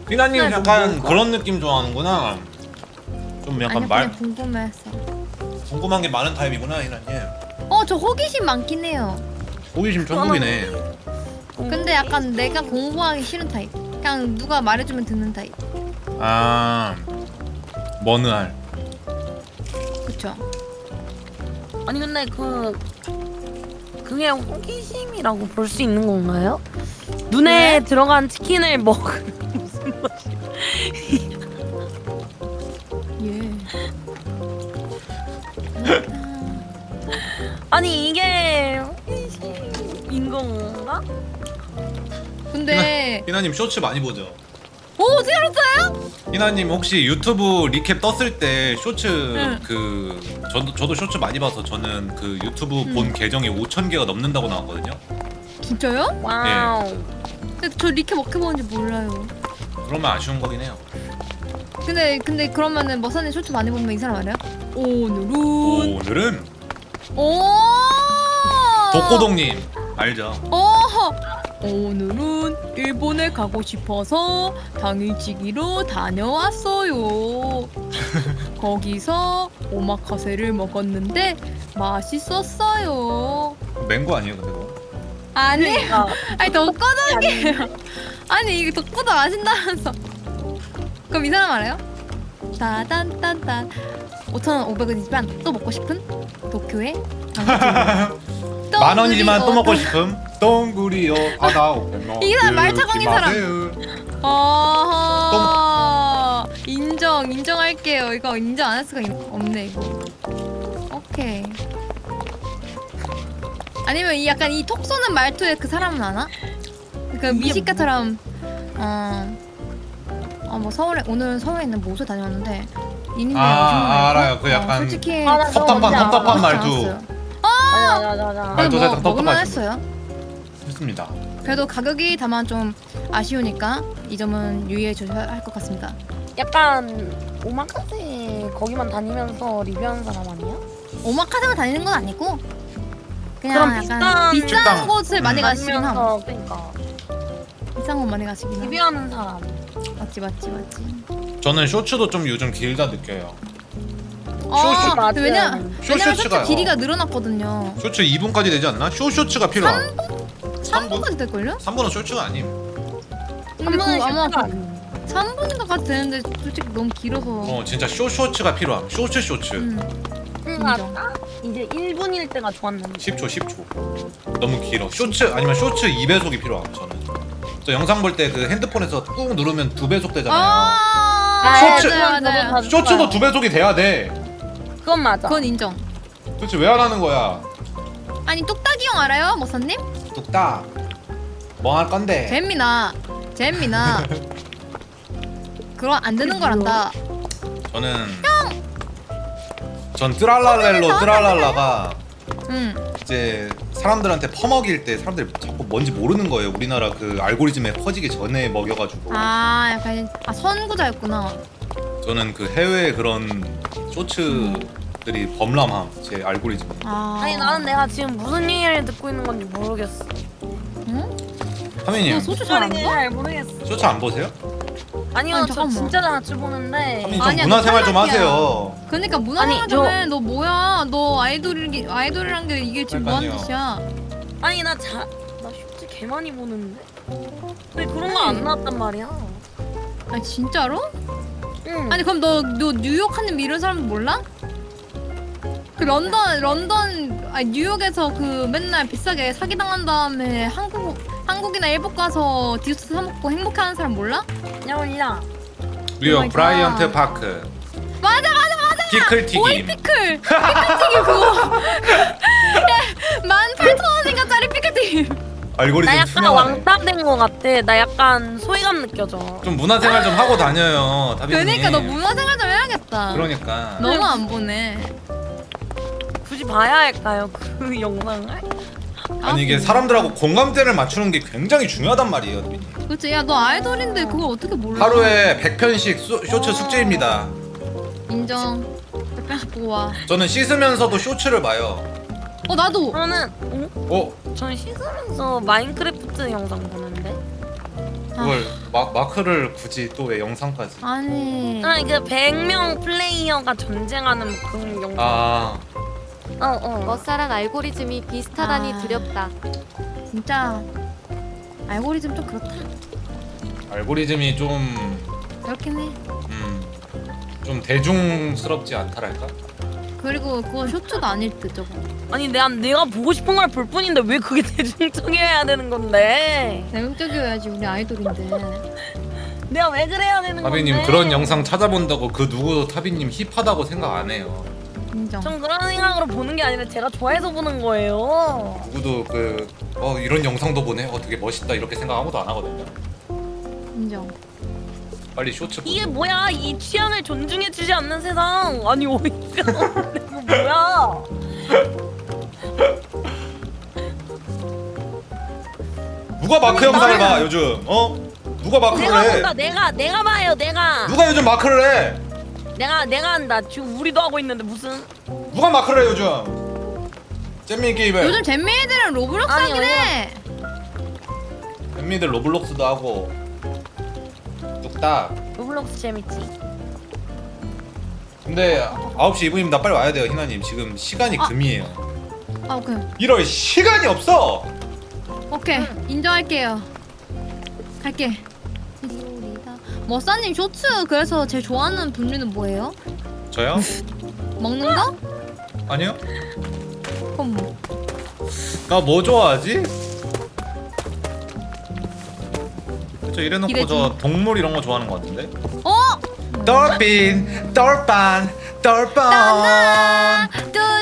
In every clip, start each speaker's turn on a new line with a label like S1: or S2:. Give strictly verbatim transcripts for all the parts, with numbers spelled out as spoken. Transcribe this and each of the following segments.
S1: 피나님
S2: 네,
S1: 약간
S2: 뭐
S1: 그런 느낌 좋아하는구나. 좀 약간
S3: 아니
S1: 말
S3: 그냥 궁금해서.
S1: 궁금한 게 많은 타입이구나 희나님.
S3: 어 저 호기심 많긴 해요.
S1: 호기심 천국이네.
S3: 근데 약간 내가 공부하기 싫은 타입. 그냥 누가 말해주면 듣는 타입.
S1: 아 머느알.
S3: 그쵸?
S2: 아니 근데 그 그게 호기심이라고 볼 수 있는 건가요? 눈에
S3: 네?
S2: 들어간 치킨을 먹으면 무슨 맛이?
S3: 예.
S2: 아니 이게 호기심인 건가?
S3: 근데
S1: 희나님 쇼츠 많이 보죠?
S3: 오 어떻게 알았어요?
S1: 희나님 혹시 유튜브 리캡 떴을 때 쇼츠
S3: 응.
S1: 그 저도 저도 쇼츠 많이 봐서 저는 그 유튜브
S3: 응.
S1: 본 계정이 오천 개가 넘는다고 나왔거든요.
S3: 진짜요?
S2: 와우.
S3: 근데 저 리캡 어떻게 보는지 몰라요.
S1: 그러면 아쉬운 거긴 해요.
S3: 근데 근데 그러면은 머사님 쇼츠 많이 보면 이 사람 알아요? 오늘은
S1: 오늘은
S3: 오
S1: 독고동님 알죠?
S3: 어 오늘은 일본에 가고 싶어서 당일치기로 다녀왔어요. 거기서 오마카세를 먹었는데 맛있었어요.
S1: 맹고 아니에요 근데 그거?
S3: 아니
S2: 그러니까
S3: 아니 덕고덕이에요. 아니 이게 덕고덕 아신다면서. 그럼 이 사람 알아요? 따단딴딴 오천오백 원이지만 또 먹고 싶은 도쿄의 당일치기.
S1: 만 원이지만 또 먹고
S3: 어,
S1: 싶음. 동구리요 바다 오면
S3: 이 사람 말 타광인 사람. 어 인정 인정할게요. 이거 인정 안 할 수가 있... 없네 이거. 오케이. 아니면 이 약간 이 톡 쏘는 말투에 그 사람은 아나? 그 미식가처럼 어. 어뭐 서울에 오늘 서울에 있는 모수 다녀왔는데 이민들
S1: 아, 아, 알아요. 그 약간
S3: 솔직히
S2: 아, 나
S1: 섭섭한
S2: 뭔지 알아.
S1: 섭섭한
S3: 그렇지
S1: 말투
S3: 않았어요.
S2: 맞아 맞아 맞아.
S1: 말도
S3: 뭐,
S1: 살짝
S3: 먹을만
S1: 섭섭하시고.
S3: 했어요.
S1: 했습니다.
S3: 그래도 가격이 다만 좀 아쉬우니까 이 점은 유의해 주셔야 할 것 같습니다.
S2: 약간 오마카세 거기만 다니면서 리뷰하는 사람 아니야?
S3: 오마카세만 다니는 건 아니고 그냥
S2: 그럼
S3: 약간
S2: 비싼
S3: 비싼
S1: 식당.
S3: 곳을 많이
S1: 음.
S3: 가시긴 함.
S2: 다니면서 그러니까
S3: 비싼 곳 많이 가시긴 함.
S2: 리뷰하는 사람.
S3: 맞지 맞지 맞지.
S1: 저는 쇼츠도 좀 요즘 길다 느껴요.
S3: 어,
S2: 맞아요.
S3: 왜냐
S1: 쇼
S3: 왜냐면
S1: 쇼츠가요.
S3: 쇼츠 길이가 늘어났거든요.
S1: 쇼츠 이 분까지 되지 않나? 쇼 쇼츠가 필요함.
S3: 삼 분까지 될걸요?
S1: 삼 분은 쇼츠가 아님.
S3: 근데 그 아마
S2: 그
S3: 삼 분인가까지 되는데 솔직히 너무 길어서.
S1: 어 진짜 쇼 쇼츠가 필요함. 쇼츠 쇼츠.
S3: 음.
S2: 그러니까
S3: 인정.
S2: 딱 이제 일 분일 때가 좋았는데.
S1: 십 초 십 초. 너무 길어. 쇼츠 아니면 쇼츠 이 배속이 필요함 저는. 저 영상 볼 때 그 핸드폰에서 꾹 누르면 두 배속 되잖아요.
S3: 아,
S1: 쇼츠!
S3: 맞아요, 맞아요.
S1: 쇼츠도 두 배속이 돼야 돼.
S2: 그건 맞아.
S3: 그건 인정.
S1: 도대체 왜 안 하는 거야?
S3: 아니 뚝딱이 형 알아요, 머사님?
S1: 뚝딱. 뭐 할 건데?
S3: 잼미나, 잼미나. 그럼 안 되는 거란다.
S1: 저는 전 뜨랄랄렐로 뜨랄랄라가
S3: 응.
S1: 이제 사람들한테 퍼먹일 때 사람들이 자꾸 뭔지 모르는 거예요. 우리나라 그 알고리즘에 퍼지기 전에 먹여가지고.
S3: 아, 약간 아 선구자였구나.
S1: 저는 그 해외 그런 쇼츠들이 범람함 제 알고리즘.
S3: 아.
S2: 아니 나는 내가 지금 무슨 얘기를 듣고 있는 건지 모르겠어.
S3: 응?
S1: 하민님
S3: 너 소주 잘안
S2: 무슨
S3: 먹어?
S2: 잘 모르겠어.
S1: 쇼츠 안 보세요?
S2: 아니요
S3: 아니,
S2: 저
S3: 잠깐만.
S2: 진짜 자주 보는데.
S1: 하민님 좀
S3: 아니야,
S1: 문화생활
S3: 너
S1: 좀
S3: 탈락이야.
S1: 하세요.
S3: 그러니까
S2: 아니,
S3: 문화생활
S2: 저-
S3: 좀 해. 너 뭐야? 너 아이돌이 아이돌이란 게 이게 지금 뭐 하는
S1: 그러니까요.
S3: 짓이야?
S2: 아니 나 자, 나 쇼츠 개 많이 보는데. 왜 그런 거 안 나왔단 말이야?
S3: 아니 진짜로?
S2: 응.
S3: 아니 그럼 너 너 뉴욕 하는 이런 사람 몰라? 그 런던 런던 아니 뉴욕에서 그 맨날 비싸게 사기 당한 다음에 한국 한국이나 일본 가서 디저트 사 먹고 행복해하는 사람 몰라?
S2: 야 몰라.
S1: 뉴욕
S3: Oh my
S1: 브라이언트
S3: God.
S1: 파크.
S3: 맞아 맞아 맞아.
S1: 피클
S3: 오이
S1: 튀김.
S3: 피클 피클튀김 그거 만 팔천 원인가 짜리 피클튀김.
S2: 나
S1: 알고리즘
S2: 약간
S1: 투명하네.
S2: 왕따 된 거 같아. 나 약간 소외감 느껴져.
S1: 좀 문화생활 좀 하고 다녀요, 다빈님.
S3: 그러니까 너 문화생활 좀 해야겠다.
S1: 그러니까.
S3: 너무 안 보네.
S2: 굳이 봐야 할까요 그 영상을?
S1: 아니 이게 사람들하고 공감대를 맞추는 게 굉장히 중요하단 말이에요, 다빈님.
S3: 그렇지. 야 너 아이돌인데 그걸 어떻게 몰라?
S1: 하루에 백 편씩 소, 쇼츠 숙제입니다.
S3: 인정. 백 편씩 보고 와.
S1: 저는 씻으면서도 쇼츠를 봐요.
S3: 어 나도.
S2: 저는 어?
S1: 어?
S2: 저는 씻으면서 마인크래프트 영상 보는데.
S1: 그걸 마, 마크를 굳이 또 왜 영상까지?
S3: 아니
S2: 아니 그 백 명 플레이어가 전쟁하는 그런 영상.
S1: 아
S2: 어어.
S4: 머싸랑 알고리즘이 비슷하다니
S3: 아.
S4: 두렵다.
S3: 진짜 알고리즘 좀 그렇다.
S1: 알고리즘이 좀
S3: 그렇긴 해.
S1: 음, 좀 대중스럽지 않다랄까?
S3: 그리고 그거 쇼츠도 아닐 듯 저거.
S2: 아니 내가 내가 보고 싶은 걸 볼 뿐인데 왜 그게 대중적이어야 되는 건데?
S3: 대중적이어야지 우리 아이돌인데.
S2: 내가 왜 그래야 되는 건데?
S1: 타비님 그런 영상 찾아본다고 그 누구도 타비님 힙하다고 생각 안 해요.
S3: 인정.
S2: 전 그런 생각으로 보는 게 아니라 제가 좋아해서 보는 거예요.
S1: 누구도 그 어 이런 영상도 보네, 어 되게 멋있다 이렇게 생각 아무도 안 하거든요.
S3: 인정.
S1: 빨리 쇼츠 보세요.
S2: 이게 뭐야? 이 취향을 존중해주지 않는 세상. 아니 어이가 없네. 이거 뭐야?
S1: 누가 마크
S2: 아니,
S1: 영상을
S2: 나는-
S1: 봐 요즘? 어? 누가 마크를
S2: 내가
S1: 해?
S2: 본다. 내가 내가 봐요. 내가.
S1: 누가 요즘 마크를 해?
S2: 내가 내가 한다. 지금 우리도 하고 있는데 무슨?
S1: 누가 마크를 해 요즘? 잼민 게임에
S3: 요즘 잼민이들은 로블록스
S2: 아니,
S3: 하긴 해.
S1: 잼민이들 로블록스도 하고 뚝딱.
S2: 로블록스 재밌지.
S1: 근데 아홉 시 이 분이면 나 빨리 와야 돼요 희나님. 지금 시간이
S3: 아.
S1: 금이에요.
S3: 아 오케이
S1: 이럴 시간이 없어.
S3: 오케이 인정할게요. 갈게. 머싸님 쇼츠 그래서 제일 좋아하는 분류는 뭐예요?
S1: 저요?
S3: 먹는 거?
S1: 아니요.
S3: 그럼 뭐?
S1: 나 뭐 좋아하지? 저 이래놓고
S3: 기대지.
S1: 저 동물 이런 거 좋아하는 거 같은데?
S3: 어?
S1: 돌핀, 돌반, 돌반.
S3: 따나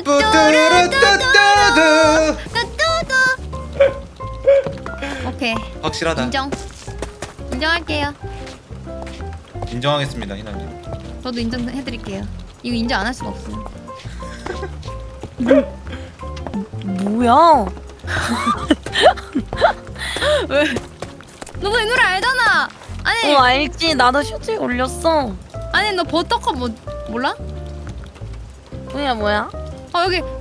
S3: 뚜뚜루뚜뚜루뚜
S1: 뚜뚜루뚜뚜뚜뚜.
S3: 뚜뚜. 오케이
S1: 확실하다.
S3: 인정. 인정할게요.
S1: 인정하겠습니다 희나님.
S3: 저도 인정해드릴게요. 이거 인정 안 할 수가 없어요.
S2: 뭐야?
S3: 왜? 너도 이 노래 알잖아. 아니
S2: 어 알지. 나도 쇼츠에 올렸어.
S3: 아니 너 버터컵 뭐 몰라?
S2: 뭐야 뭐야?
S3: 아 여기